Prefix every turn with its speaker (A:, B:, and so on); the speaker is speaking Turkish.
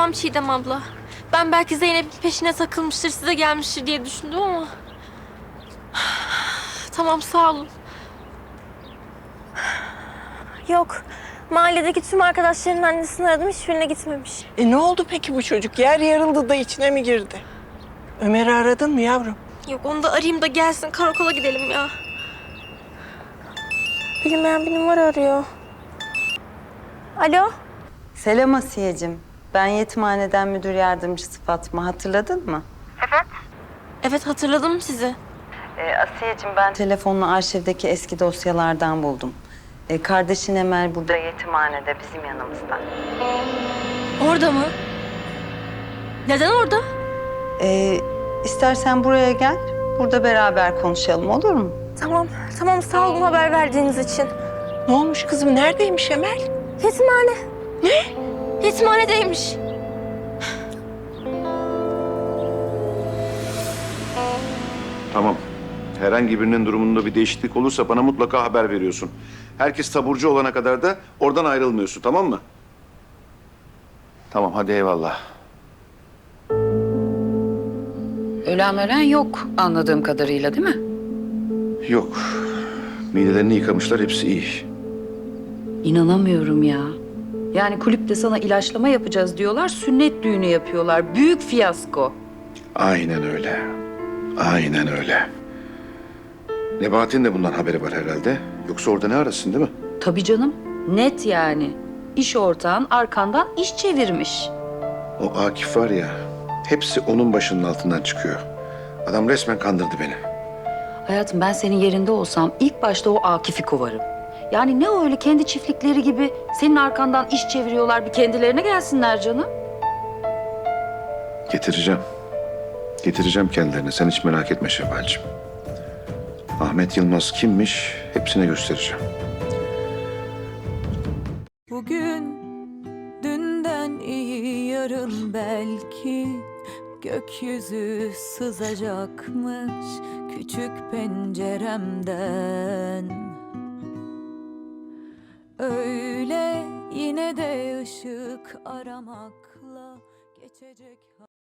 A: Tamam Çiğdem abla. Ben belki Zeynep'in peşine takılmıştır, size gelmiştir diye düşündüm ama... Tamam, sağ olun. Yok. Mahalledeki tüm arkadaşlarının annesini aradım, hiçbirine gitmemiş.
B: Ne oldu peki bu çocuk? Yer yarıldı da içine mi girdi? Ömer'i aradın mı yavrum?
A: Yok, onu da arayayım da gelsin, karakola gidelim ya. Bilinmeyen bir numara arıyor. Alo?
C: Selam Asiye'cim. Ben yetimhaneden müdür yardımcısı Fatma. Hatırladın mı?
A: Evet, hatırladım sizi.
C: Asiye'cim ben telefonla arşivdeki eski dosyalardan buldum. Kardeşin Emel burada yetimhanede bizim yanımızda.
A: Orada mı? Neden orada?
C: İstersen buraya gel. Burada beraber konuşalım, olur mu?
A: Tamam, tamam, sağ olun haber verdiğiniz için.
B: Ne olmuş kızım? Neredeymiş Emel?
A: Yetimhane. Ne? Yetimhanedeymiş.
D: Tamam. Herhangi birinin durumunda bir değişiklik olursa bana mutlaka haber veriyorsun. Herkes taburcu olana kadar da oradan ayrılmıyorsun, tamam mı? Tamam, hadi eyvallah.
E: Ölen yok anladığım kadarıyla, değil mi?
D: Yok. Midelerini yıkamışlar, hepsi iyi.
E: İnanamıyorum ya. Yani kulüpte sana ilaçlama yapacağız diyorlar, sünnet düğünü yapıyorlar. Büyük fiyasko.
D: Aynen öyle. Aynen öyle. Nebahat'in de bundan haberi var herhalde. Yoksa orada ne arasın, değil mi?
E: Tabii canım, net yani. İş ortağın arkandan iş çevirmiş.
D: O Akif var ya, hepsi onun başının altından çıkıyor. Adam resmen kandırdı beni.
E: Hayatım, ben senin yerinde olsam ilk başta o Akif'i kovarım. Yani ne öyle kendi çiftlikleri gibi senin arkandan iş çeviriyorlar, bir kendilerine gelsinler canım.
D: Getireceğim. Getireceğim kendilerine. Sen hiç merak etme Şevval'cim. Ahmet Yılmaz kimmiş hepsine göstereceğim.
F: Bugün dünden iyi, yarın belki gökyüzü sızacakmış küçük penceremden. Öyle yine de ışık aramakla geçecek.